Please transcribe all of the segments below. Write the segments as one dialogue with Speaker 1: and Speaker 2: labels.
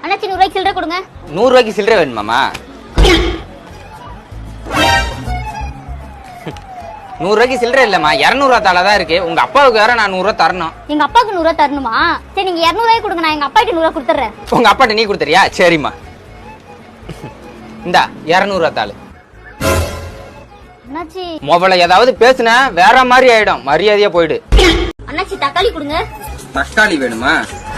Speaker 1: அண்ணாச்சி 100 ரூபாய்க்கு சில்லறை கொடுங்க.
Speaker 2: 100 ரூபாய்க்கு சில்லறை வேணுமாமா? 100 ரூபாய்க்கு சில்லறை இல்லம்மா, 200 ரூபா தாளா தான் இருக்கு. உங்க அப்பாவுக்கு வேற நான் 100 ரூபா தரணும்.
Speaker 1: எங்க அப்பாவுக்கு 100 ரூபா தரணுமா? சரி நீங்க 200 ரூபாய் கொடுங்க, நான் எங்க அப்பாட்ட 100 ரூபா கொடுத்துறேன்.
Speaker 2: உங்க அப்பாட்ட நீ கொடுத்துறியா? சரிம்மா, இந்தா 200 ரூபா தாளு.
Speaker 1: அண்ணாச்சி
Speaker 2: மொபைல ஏதாவது பேசுன வேற மாதிரி ஆயிடும், மரியாதையா போயிடு.
Speaker 1: அண்ணாச்சி தக்காளி கொடுங்க.
Speaker 2: தக்காளி வேணுமா?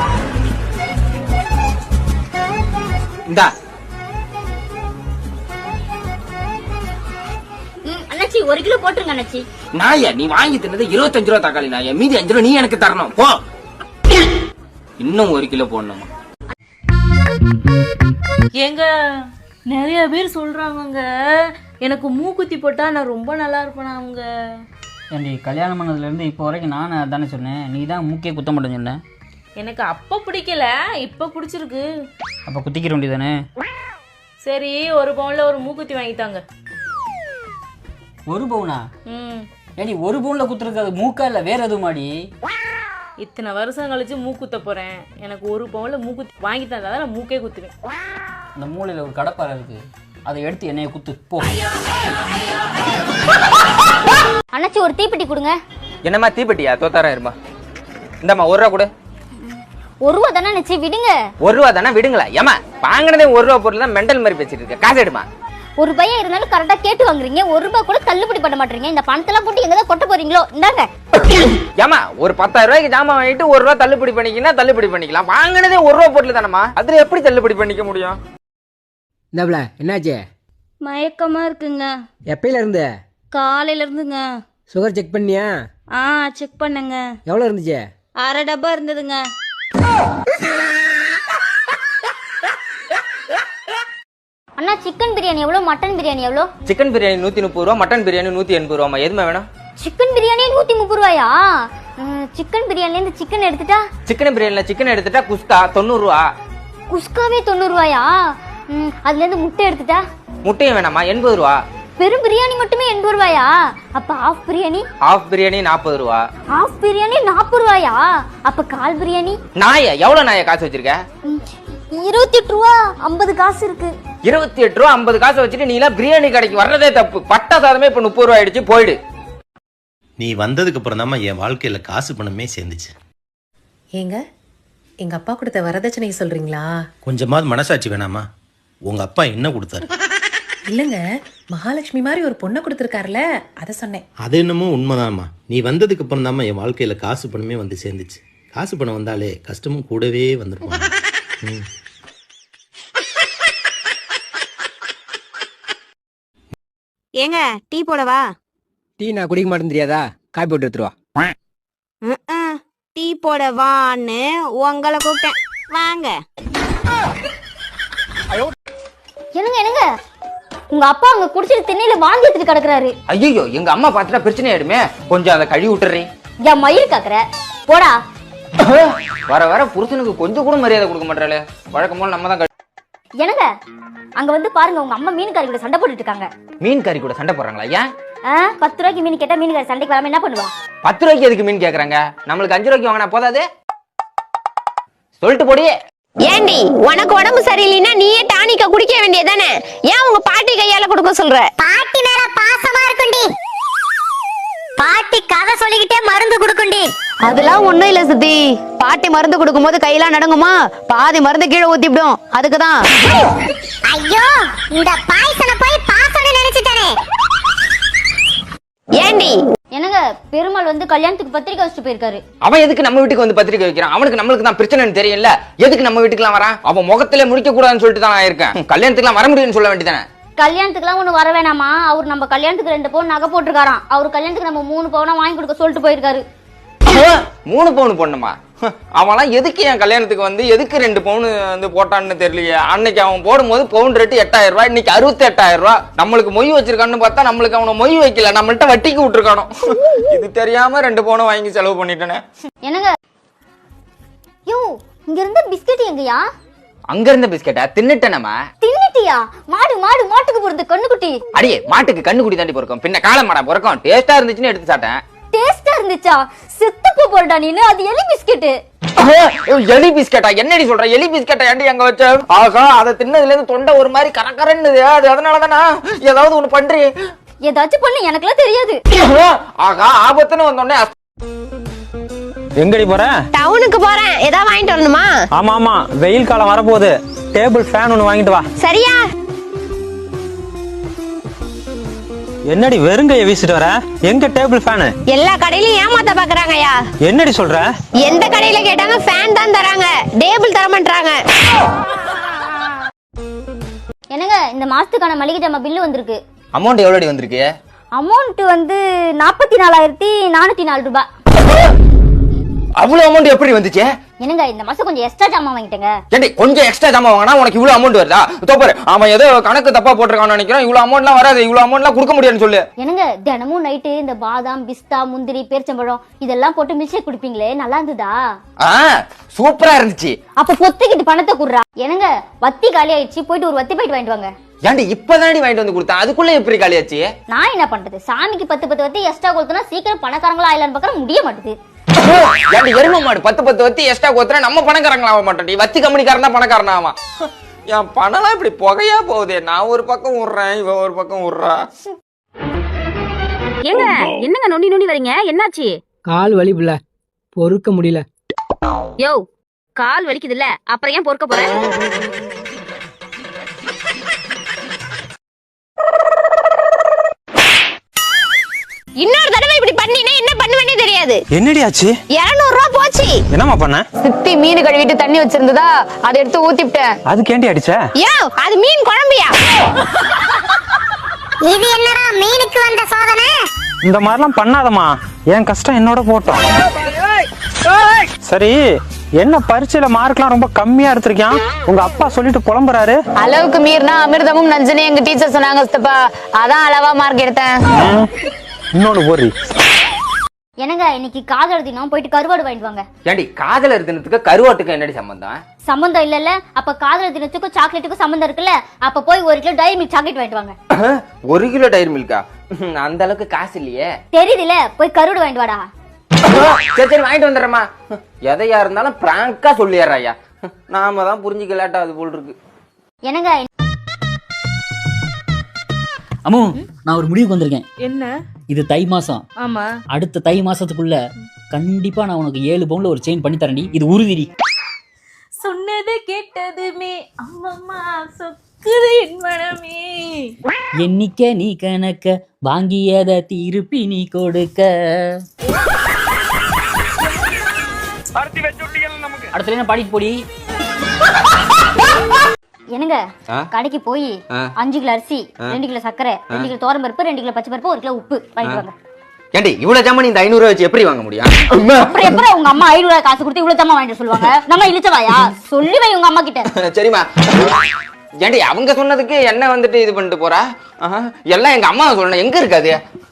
Speaker 2: இந்தா.
Speaker 1: அண்ணாச்சி 1 கிலோ போட்டுருங்க அண்ணாச்சி.
Speaker 2: நாயா, நீ வாங்கி தின்னது 25 ரூபா தக்காளி நாயா, மீதி 5 ரூபா நீ எனக்கு தரணும் போ. இன்னும் 1 கிலோ போடணுமா?
Speaker 3: ஏங்க நிறைய பேர் சொல்றாங்க எனக்கு மூக்குத்தி போட்டா நான் ரொம்ப நல்லா இருப்பேன். அவங்க
Speaker 4: ஏன்டி கல்யாணம் பண்ணதுலேருந்து இப்போ வரைக்கும் நான் அதானே சொன்னேன், நீ தான் மூக்கே குத்த மாட்டேன்னு சொன்னேன்.
Speaker 3: எனக்கு அப்போ பிடிக்கல, இப்போ பிடிச்சிருக்கு.
Speaker 4: அப்போ குத்திக்கிற வேண்டியதானே?
Speaker 3: சரி 1 பவுன்ல ஒரு மூக்குத்தி வாங்கித்தாங்க.
Speaker 4: 1 பவுனா? ஏன்டி 1 பவுனில் குத்துருக்கு, அது மூக்கா இல்லை வேற எதுவும் மாடி?
Speaker 3: இத்தனை வருஷம் கழிச்சு மூக்குத்த போறேன், எனக்கு 1 பவுன்ல மூக்குத்தி வாங்கி தந்தா தான் நான் மூக்கே குத்துவேன்.
Speaker 4: அந்த மூலையில் ஒரு கடப்பாறை இருக்கு, அதை எடுத்து என்னைய குத்து போ.
Speaker 1: அண்ணாச்சி ஒரு தீப்பெட்டி கொடுங்க.
Speaker 2: என்னம்மா தீப்பெட்டியா? தோத்தாரம் இருமா. இந்தம்மா 1 ரூபா கொடு.
Speaker 1: 1 ரூபா தானே அண்ணாச்சி, விடுங்க.
Speaker 2: 1 ரூபா தானே, விடுங்களா? ஏமா வாங்கினதே 1 ரூபா பொருள் தான், மெண்டல் மாதிரி பேசிட்டு இருக்க. காசு எடுமா.
Speaker 1: 1 ரூபாயா இருந்தாலும் கரெக்டா கேட்டு வாங்குறீங்க, 1 ரூபாய் கூட தள்ளுபடி பண்ண மாட்டீங்க. இந்த பணத்தெல்லாம் போட்டு எங்கதான் கொட்ட போறீங்களோ? இந்தாங்க.
Speaker 2: ஏமா ஒரு 10,000 ரூபாய்க்கு ஜாமான் வாங்கிட்டு 1 ரூபா தள்ளுபடி பண்ணிக்கினா தள்ளுபடி பண்ணிக்கலாம். வாங்கினதே 1 ரூபா பொருள் தானம்மா, அதுல எப்படி தள்ளுபடி பண்ணிக்க முடியும்?
Speaker 5: இந்தாப்ல என்னாச்சு?
Speaker 3: மயக்கமா இருக்குங்க.
Speaker 5: எப்பயில இருந்து?
Speaker 3: காலையில இருந்துங்க.
Speaker 5: சுகர் செக் பண்ணியா?
Speaker 3: செக் பண்ணுங்க.
Speaker 5: எவ்வளோ இருந்துச்சு?
Speaker 3: 1/2 டப்பா இருந்ததுங்க.
Speaker 1: அண்ணா சிக்கன் பிரியாணி எவ்வளோ, மட்டன் பிரியாணி எவ்வளோ?
Speaker 2: சிக்கன் பிரியாணி 130 ரூபா, மட்டன் பிரியாணி 180 ரூபாமா. எதுமா வேணும்?
Speaker 1: சிக்கன் பிரியாணி 130 ரூபாயா? சிக்கன் பிரியாணில இருந்து சிக்கன் எடுத்துட்டா?
Speaker 2: சிக்கன் பிரியாணில சிக்கன் எடுத்துட்டா குஸ்கா 90 ரூபா.
Speaker 1: குஸ்காவே 90 ரூபாயா? அதுல இருந்து முட்டை எடுத்துட்டா?
Speaker 2: முட்டையும் வேணாமா? 80 ரூபா.
Speaker 1: வெறும் பிரியாணி மட்டுமே 80 ரூபாயா? அப்ப ஆஃப் பிரியாணி?
Speaker 2: ஆஃப் பிரியாணி 40 ரூபா.
Speaker 1: ஆஃப் பிரியாணி 40 ரூபாயா? அப்ப கால் பிரியாணி?
Speaker 2: நாயா எவ்வளவு நாயா காசு வச்சிருக்க?
Speaker 1: 28 ரூபா 50 காசு இருக்கு.
Speaker 2: 28 ரூபா 50 காசு வச்சுட்டு நீ எல்லாம் பிரியாணி கடைக்கு வர்றதே தப்பு. பட்டா சாதமே இப்ப 30 ரூபா ஆயிடுச்சு, போயிடு.
Speaker 6: நீ வந்ததுக்கு அப்புறம் தான் என் வாழ்க்கையில காசு பணமே சேர்ந்துச்சு.
Speaker 7: ஏங்க எங்க அப்பா கொடுத்த வரதட்சணை சொல்றீங்களா?
Speaker 6: கொஞ்சமாவது மனசாட்சி வேணாமா? உங்க அப்பா என்ன கொடுத்தாரு?
Speaker 7: இல்லங்க, மகாலட்சுமி மாதிரி ஒரு பொண்ணை கொடுத்துருக்காருல, அத சொன்னேன்.
Speaker 6: அது என்னமோ உண்மைதாம்மா. நீ வந்ததுக்கு அப்புறம் தான் என் வாழ்க்கையில காசு பணமே வந்து சேர்ந்துச்சு. காசு பணம் வந்தாலே கஷ்டமும் கூடவே வந்துருப்பாங்க.
Speaker 8: ஏங்க டீ போடவா?
Speaker 5: டீ நான் குடிக்க மாட்டேன்னு தெரியாதா? காப்பி போட்டு எடுத்துருவா.
Speaker 8: டீ போடவான்னு உங்களை கூப்பிட்டேன், வாங்க.
Speaker 1: என்னங்க என்னங்க, உங்க அப்பா அங்க குடிச்சிட்டு திண்ணையில வாந்தி எடுத்துட்டு கிடக்குறாரு.
Speaker 2: ஐயோ, எங்க அம்மா பாத்துட்டா பிரச்சனை ஆயிடுமே, கொஞ்சம் அதை கழுவி விட்டுறீ.
Speaker 1: என் மயிர் காக்குற போடா.
Speaker 2: வர வர புருஷனுக்கு கொஞ்சம் கூட மரியாதை கொடுக்க மாட்டாளே. வழக்கம் போல நம்ம தான்.
Speaker 1: என்னங்க அங்க வந்து பாருங்க, உங்க அம்மா மீன்காரி கூட சண்டை போட்டுட்டு இருக்காங்க.
Speaker 2: மீன் கறி கூட சண்டை போடுறாங்களா? ஏன்?
Speaker 1: 10 ரூபாய்க்கு மீன் கேட்டா மீன்காரி சண்டைக்கு வராம என்ன பண்ணுவா?
Speaker 2: 10 ரூபாய்க்கு எதுக்கு மீன் கேக்குறாங்க? நம்மளுக்கு 5 ரூபாய்க்கு வாங்கினா போதாது? சொல்லிட்டு போடியே.
Speaker 8: ஏண்டி உனக்கு உடம்பு சரியில்லைன்னா நீயே டானிக்க குடிக்க வேண்டியதானே? ஏன் உங்க பாட்டி கையால கொடுக்க சொல்ற?
Speaker 1: பாட்டி மேல பாசமா இருக்குண்டி, பாட்டி கதை சொல்லிக்கிட்டே மருந்து குடுக்குண்டி.
Speaker 8: அதெல்லாம் ஒண்ணும் இல்ல சித்தி. பாட்டி மருந்து கொடுக்கும் போது கையெல்லாம் நடுங்குமா, பாதி மருந்து கீழே ஊத்திவிடும், அதுக்குதான்.
Speaker 1: ஐயோ, இந்த பாய்சனை போய் பாசனை நினைச்சிட்டானே.
Speaker 8: ஏண்டி
Speaker 1: என்னங்க பெருமாள் வந்து கல்யாணத்துக்கு பத்திரிக்கை வச்சுட்டு போயிருக்காரு.
Speaker 2: அவன் எதுக்கு நம்ம வீட்டுக்கு வந்து பத்திரிக்கை வைக்கிறான்? அவனுக்கு நம்மளுக்கு தான் பிரச்சனைன்னு தெரியல, எதுக்கு நம்ம வீட்டுக்குலாம் வரான்? அவன் முகத்திலே முடிக்க கூடாதுன்னு சொல்லிட்டு தான் நான் இருக்கேன். கல்யாணத்துக்குலாம் வர முடியும்னு சொல்ல வேண்டியதானே?
Speaker 1: கல்யாணத்துக்குலாம் ஒண்ணு வர வேணாமா? அவர் நம்ம கல்யாணத்துக்கு 2 பவுன் நகை போட்டுருக்காராம். அவர் கல்யாணத்துக்கு நம்ம 3 பவுனா வாங்கி கொடுக்க சொல்லிட்டு போயிருக்காரு.
Speaker 2: 3 பவுன் பொண்ணுமா? அவன்லாம் எதுக்கு என் கல்யாணத்துக்கு வந்து எதுக்கு 2 பவுன் வந்து போட்டான்னு தெரியலையே. அன்னைக்கு அவன் போடும்போது பவுன் ரேட்டு 8000 ரூபாய், இன்னைக்கு 68,000 ரூபாய். நம்மளுக்கு மொய் வச்சிருக்கான்னு பார்த்தா நம்மளுக்கு அவனை மொய் வைக்கல, நம்மள்ட்ட வட்டிக்கு விட்டுருக்கானோ. இது தெரியாம 2 பவுன் வாங்கி செலவு பண்ணிட்டேனே.
Speaker 1: என்னங்க யோ, இங்க இருந்த பிஸ்கட் எங்கயா?
Speaker 2: அங்க இருந்த பிஸ்கெட்டா தின்னுட்டேனமா?
Speaker 1: தின்னுட்டியா? மாடு மாடு மாட்டுக்கு போறது கண்ணுக்குட்டி.
Speaker 2: அடியே, மாட்டுக்கு கண்ணுக்குட்டி தாண்டி பொறுக்கும், பின்ன காலமாடா பொறுக்கும். டேஸ்டா இருந்துச்சுன்னு எடுத்து சாப்பிட்டேன்.
Speaker 1: டேஸ்டா இருந்துச்சா? செத்து போறடா நீனு, அது எலி பிஸ்கெட்.
Speaker 2: எலி பிஸ்கெட்டா? என்னடி சொல்ற? எலி பிஸ்கெட்டா ஏன்டி அங்க வச்ச? ஆகா, அதை தின்னதுல இருந்து தொண்டை ஒரு மாதிரி கரகரன்னுது. அது அதனாலதானா? ஏதாவது ஒண்ணு பண்றி.
Speaker 1: ஏதாச்சும் பண்ணு, எனக்குலாம் தெரியாது.
Speaker 2: ஆகா, ஆபத்துன்னு வந்தோடனே
Speaker 9: எங்கடி போற?
Speaker 8: டவுனுக்கு போறேன், ஏதாவது வாங்கிட்டு வரணுமா?
Speaker 9: ஆமா ஆமா, வெயில் காலம் வரப்போகுது. டேபிள் ஃபேன் ஒன்னு வாங்கிட்டு வா.
Speaker 8: சரியா?
Speaker 9: என்னடி வெறுங்கைய வீசிட்டு வர? எங்க டேபிள் ஃபேனு?
Speaker 8: எல்லா கடையிலயும் ஏமாத்த பாக்குறாங்கயா.
Speaker 9: என்னடி சொல்ற?
Speaker 8: எந்த கடையில கேட்டாங்க ஃபேன் தான் தராங்க, டேபிள் தர மாட்டாங்க.
Speaker 1: என்னங்க, இந்த மாசத்துக்கான மளிகை ஜாமான் பில்லு வந்திருக்கு.
Speaker 2: அமௌண்ட் எவ்வளோடி வந்திருக்கு?
Speaker 1: அமௌண்ட் வந்து 44,404 ரூபாய்.
Speaker 2: அவ்வளவு அமௌண்ட் எப்படி வந்துச்சு?
Speaker 1: என்னங்க, இந்த மாசம் கொஞ்சம் எக்ஸ்ட்ரா ஜாமான் வாங்கிட்டேங்க.
Speaker 2: ஏண்டி கொஞ்சம் எக்ஸ்ட்ரா ஜாமான் வாங்கினா உனக்கு இவ்வளவு அமௌண்ட் வருதா? தோப்பாரு, அவன் ஏதோ கணக்கு தப்பா போட்டிருக்கான்னு நினைக்கிறேன். இவ்வளவு அமௌண்ட்லாம் வராது, இவ்வளவு அமௌண்ட்லாம் கொடுக்க முடியாதுன்னு சொல்லு.
Speaker 1: என்னங்க, தினமும் நைட்டு இந்த பாதாம், பிஸ்தா, முந்திரி, பேரிச்சம்பழம் இதெல்லாம் போட்டு மில்க் ஷேக் குடிப்பீங்களே, நல்லா இருந்ததா?
Speaker 2: சூப்பரா இருந்துச்சு.
Speaker 1: அப்ப பொத்துக்கிட்டு பணத்தை குடுறா. என்னங்க, வத்தி காலி ஆயிடுச்சு, போயிட்டு ஒரு வத்தி போயிட்டு வாங்கிட்டு வாங்க.
Speaker 2: ஏண்டி இப்பதாண்டி வாங்கிட்டு வந்து கொடுத்தேன், அதுக்குள்ள எப்படி காலியாச்சு?
Speaker 1: நான் என்ன பண்றது, சாமிக்கு 10 வத்தி எக்ஸ்ட்ரா கொடுத்தனா சீக்கிரம் பணக்காரங்களா ஆயிலான்னு பார்க்க முடிய மாட்டுது.
Speaker 2: ஏண்டி எரும மாடு 10 வத்தி எக்ஸ்ட்ரா கொடுத்தா நம்ம பணக்காரங்களா ஆக மாட்டோம். வத்தி கம்பெனிக்காரன் தான் பணக்காரனா ஆவான். என் பணம்லாம் இப்படி புகையா போகுதே. நான் ஒரு பக்கம் விடுறேன், இவ ஒரு பக்கம் விடுறா.
Speaker 10: ஏங்க, என்னங்க நொண்டி நொண்டி வரீங்க? என்னாச்சு?
Speaker 5: கால் வலி புள்ள, பொறுக்க முடியல.
Speaker 10: யோ, கால் வலிக்குது இல்ல, அப்புறம் ஏன் பொறுக்க போற?
Speaker 8: இன்னொரு தடவை இப்படி பண்ணினா என்ன பண்ணுவேனே தெரியாது.
Speaker 9: என்னடி ஆச்சு?
Speaker 8: 200 ரூபாய் போச்சு.
Speaker 9: என்னம்மா பண்ண?
Speaker 8: சித்தி மீன் கழுவிட்டு தண்ணி வச்சிருந்ததா, அதை எடுத்து ஊத்திட்டேன்.
Speaker 9: அது கேண்டி அடிச்ச?
Speaker 8: யோ, அது மீன் குழம்பியா?
Speaker 1: இது என்னடா மீனுக்கு வந்த சோதனை?
Speaker 9: இந்த மாதிரிலாம் பண்ணாதம்மா, என் கஷ்டம் என்னோட போட்டோம். சரி, என்ன பரீட்சையில மார்க்லாம் ரொம்ப கம்மியா எடுத்திருக்கான்? உங்க அப்பா சொல்லிட்டு புலம்புறாரு.
Speaker 8: அளவுக்கு மீறினா அமிர்தமும் நஞ்சனே எங்க டீச்சர் சொன்னாங்க சித்தப்பா, அதான் அளவா மார்க் எடுத்தேன்.
Speaker 9: இன்னொன்னு போறி.
Speaker 1: என்னங்க, இன்னைக்கு காதலர் தினம், போயிட்டு கருவாடு வாங்கிட்டு வாங்க.
Speaker 2: ஏண்டி காதலர் தினத்துக்கு கருவாட்டுக்கு என்னடி சம்பந்தம்?
Speaker 1: சம்பந்தம் இல்லல்ல, அப்ப காதலர் தினத்துக்கும் சாக்லேட்டுக்கும் சம்பந்தம் இருக்குல்ல. அப்ப போய் 1 கிலோ டைரி மில்க் சாக்லேட் வாங்கிட்டு வாங்க.
Speaker 2: 1 கிலோ டைரி மில்கா? அந்த அளவுக்கு காசு இல்லையே.
Speaker 1: தெரியுதுல, போய் கருவாடு வாங்கிட்டு வாடா.
Speaker 2: சரி சரி, வாங்கிட்டு வந்துடுறேம்மா. எதையா இருந்தாலும் பிராங்கா சொல்லிடுறாயா. நாம தான் புரிஞ்சுக்க லேட்டா அது போல் இருக்கு.
Speaker 1: என்னங்க,
Speaker 4: அம்மு, நான் ஒரு முடிவுக்கு வந்திருக்கேன்.
Speaker 3: என்ன?
Speaker 4: இது தை மாசம்.
Speaker 3: ஆமா.
Speaker 4: அடுத்த தை மாசத்துக்குள்ள கண்டிப்பா நான் உனக்கு 7 பவுன்ல ஒரு செயின் பண்ணி தரேன்டி. இது உறுதிடி.
Speaker 3: சொன்னது கேட்டதுமே அம்மம்மா சொக்குது என் மனமே.
Speaker 4: எண்ணிக்க நீ கணக்க, வாங்கியத திருப்பி நீ கொடுக்க. அடுத்த லைன் பாடிட்டு போடி.
Speaker 1: என்னங்க, கடைக்கு போய் 5 கிலோ அரிசி, 2 கிலோ சர்க்கரை, 2 கிலோ தோரம் பருப்பு, 2 கிலோ பச்சை பருப்பு, 1 கிலோ உப்பு வாங்கிட்டு வாங்க.
Speaker 2: ஏண்டி இவ்வளவு ஜாமான் இந்த 500 ரூபாய் வச்சு எப்படி வாங்க முடியும்?
Speaker 1: அப்புறம் எப்படி உங்க அம்மா 500 ரூபாய் காசு கொடுத்து இவ்வளவு ஜாமான் வாங்கிட்டு சொல்லுவாங்க? நம்ம இழுச்சவாயா? சொல்லி வை உங்க அம்மா கிட்ட.
Speaker 2: சரிம்மா. ஏண்டி அவங்க சொன்னதுக்கு என்ன வந்துட்டு இது பண்ணிட்டு போறா? எல்லாம் எங்க அம்மா சொல்லணும். எங்க இருக்காது?